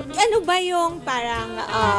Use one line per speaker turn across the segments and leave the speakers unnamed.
ano ba yung parang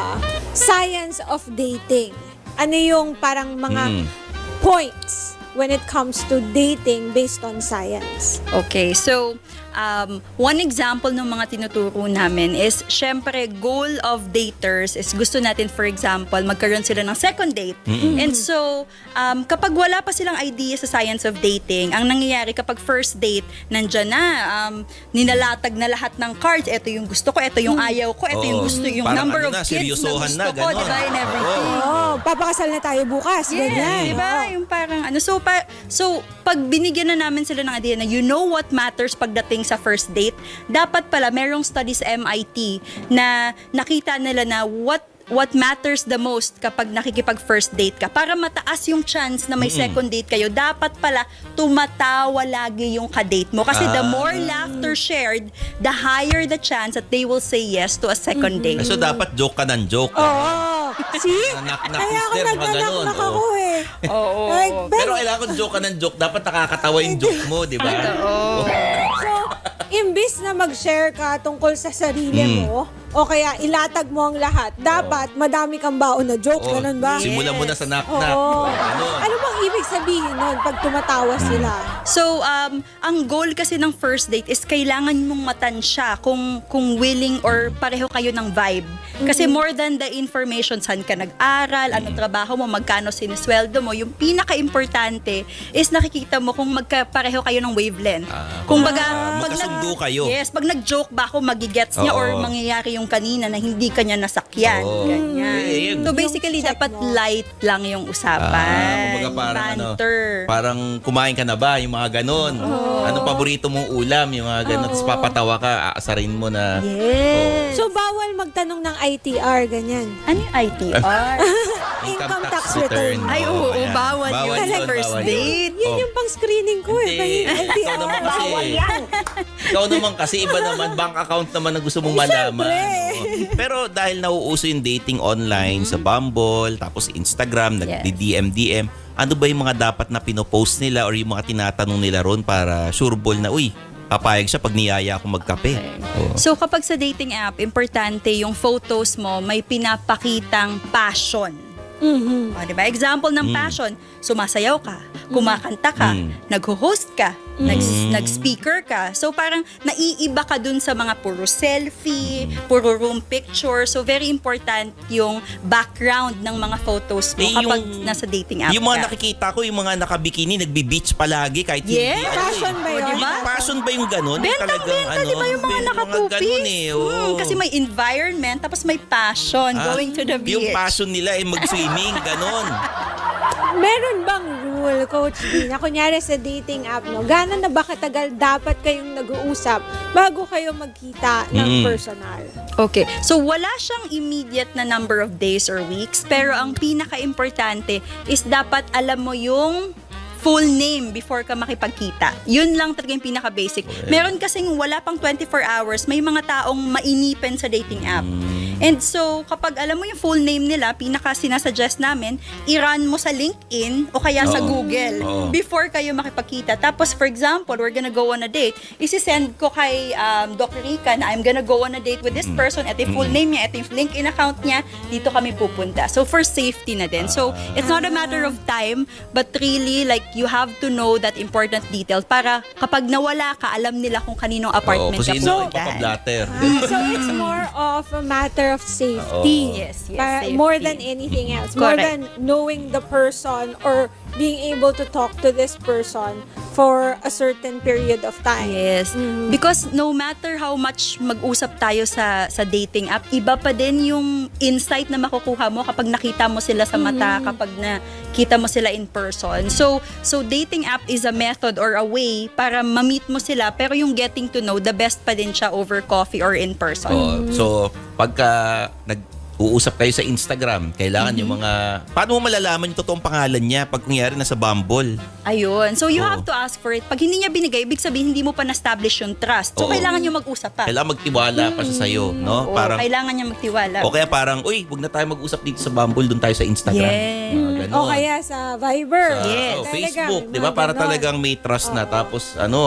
science of dating? Ano yung parang mga points when it comes to dating based on science?
Okay, so one example ng mga tinuturo namin is, syempre, goal of daters is gusto natin, for example, magkaroon sila ng second date. And so, kapag wala pa silang idea sa science of dating, ang nangyayari kapag first date, nandyan na, ninalatag na lahat ng cards. Ito yung gusto ko, ito yung ayaw ko, ito yung gusto, yung
parang
number
ano
of
na,
kids na
seryosohan
gusto
na,
ko,
ganon.
diba, and everything.
Oh, papakasal na tayo bukas. Ganyan.
Diba? Yung parang ano. So, pag binigyan na namin sila ng idea na you know what matters pagdating sa first date, dapat pala merong studies sa MIT na nakita nila na what matters the most kapag nakikipag first date ka. Para mataas yung chance na may second date kayo, dapat pala tumatawa lagi yung kadate mo. Kasi the more laughter shared, the higher the chance that they will say yes to a second date.
So, dapat joke ka ng joke.
Oo. See?
Nak-nak,
Kaya ako
sister, mga ganun.
nagnanak ako eh.
Oo.
Like,
Pero kailangan kung joke ka ng joke, dapat nakakatawa yung joke mo, di ba?
so, imbis na mag-share ka tungkol sa sarili mo, o kaya ilatag mo ang lahat, dapat madami kang baon na jokes, ganun ba?
Simulan mo na sa knock-knock.
Oo.
Ganun.
Ano bang ibig sabihin nun pag tumatawa sila?
So, ang goal kasi ng first date is kailangan mong matansya kung willing or pareho kayo ng vibe. Kasi more than the information, saan ka nag-aral, anong trabaho mo, magkano sinisweldo mo, yung pinaka-importante is nakikita mo kung pareho kayo ng wavelength. Kung
magkasundo kayo.
Yes, pag nag-joke ba ako, magigets niya or mangyayari yung kanina na hindi kanya nasakyan.
Oo.
Ganyan. So basically,
Yung check
dapat
mo.
light lang yung usapan.
Kumbaga parang
banter.
parang kumain ka na ba? Yung mga ganun. Anong paborito mong ulam? Yung mga ganun. Tapos papatawa ka, aasarin mo na.
Yes.
So, bawal magtanong ng ITR, ganyan.
Ano yung ITR?
Income tax return.
Ay, oo,
ayan.
bawal yun sa first
bawal
date.
Yun yung pang-screening ko eh.
Hindi. Ikaw naman kasi. Ikaw naman kasi, iba naman, bank account naman ang gusto mong malaman. Oo. Pero dahil nauuso yung dating online sa Bumble, tapos Instagram, nagdi-DM-DM, ano ba yung mga dapat na pinopost nila or yung mga tinatanong nila ron para sureball na, uy, papayag siya pag niyaya ako magkape. Oo.
So kapag sa dating app, importante yung photos mo may pinapakitang passion. O, diba? Example ng passion, sumasayaw ka, kumakanta ka, nag-host ka, nag-speaker ka. So parang naiiba ka dun sa mga puro selfie, puro room picture. So very important yung background ng mga photos mo kapag nasa dating app
Yung mga
ka.
nakikita ko, yung mga nakabikini, nagbi-beach palagi kahit
Yes.
hindi.
Passion ba yun?
Diba?
Passion ba yung ganun?
Bentang-benta, di ba yung mga nakatupis?
ganun eh. Oo.
Kasi may environment, tapos may passion, going to the beach.
Yung passion nila ay mag-swimming, ganun.
Meron bang rule, Coach D, na kunyari sa dating app, no, gano'n na ba katagal dapat kayong nag-uusap bago kayo magkita ng personal?
Okay. So, wala siyang immediate na number of days or weeks, pero ang pinaka-importante is dapat alam mo yung full name before ka makipagkita. Yun lang talaga yung pinaka-basic. Meron kasing wala pang 24 hours, may mga taong mainipen sa dating app. And so, kapag alam mo yung full name nila, pinaka-sinasuggest namin, i-run mo sa LinkedIn o kaya sa Google before kayo makipagkita. Tapos, for example, we're gonna go on a date. Isi-send ko kay Doc Rica na I'm gonna go on a date with this person. Ito yung full name niya, ito yung LinkedIn account niya. Dito kami pupunta. So, for safety na din. So, it's not a matter of time, but really, like, you have to know that important detail para kapag nawala ka, alam nila kung kaninong apartment ka
Kasi sino
pupuntahan.
ipapablatter.
So, it's more of a matter of safety.
Yes,
Para,
safety.
more than anything else. More
Correct.
than knowing the person or being able to talk to this person for a certain period of time.
Yes. Because no matter how much mag-usap tayo sa dating app, iba pa din yung insight na makukuha mo kapag nakita mo sila sa mata, kapag nakita mo sila in person. So dating app is a method or a way para ma-meet mo sila, pero yung getting to know, the best pa din siya over coffee or in person.
So, pagka uusap kayo sa Instagram, kailangan yung mga... Paano mo malalaman yung totoong pangalan niya pag kunyari nasa Bumble?
Ayun. So you have to ask for it. Pag hindi niya binigay, ibig sabihin hindi mo pa na-establish yung trust. So kailangan niyo mag-usap pa.
Kailangan magtiwala pa siya sa'yo, no?
Oo, kailangan niya magtiwala.
O kaya parang, uy, wag na tayo mag-usap dito sa Bumble, doon tayo sa Instagram.
Yes.
Mga ganon.
O kaya sa Viber.
Sa
Yes.
Facebook,
Talagang,
di ba?
mga
Para
ganon.
talagang may trust na. Tapos,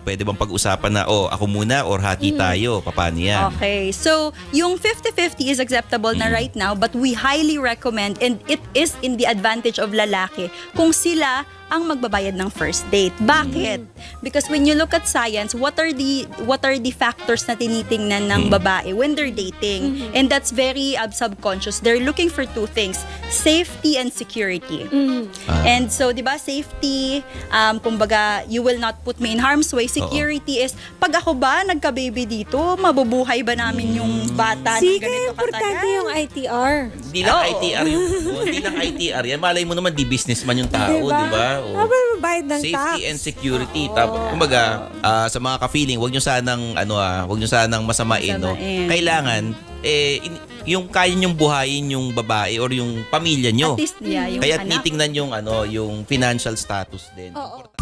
Pwede bang pag-usapan na, ako muna or hati tayo? Paano yan?
Okay. So, yung 50-50 is acceptable na right now, but we highly recommend, and it is in the advantage of lalaki, kung sila ang magbabayad ng first date. Bakit? Because when you look at science, what are the factors na tinitingnan ng babae when they're dating? And that's very subconscious. They're looking for two things, safety and security. And so, 'di ba, safety, kumbaga, you will not put me in harm's way. Security is, pag ako ba nagka-baby dito, mabubuhay ba namin yung bata ng ganito
importante
katagal?
yung ITR.
Hindi lang ITR hindi lang ITR yan. Malay mo naman, di businessman yung tao, di ba?
Dapat mabayad ng
Safety
tax.
and security. Tapos, kumbaga, sa mga ka-feeling, wag nyo sanang masamain, no?
Masamain.
Kailangan, yung kaya nyong buhayin yung babae or yung pamilya nyo.
At least, yung
Kaya
anak.
titingnan yung financial status din.
Oo.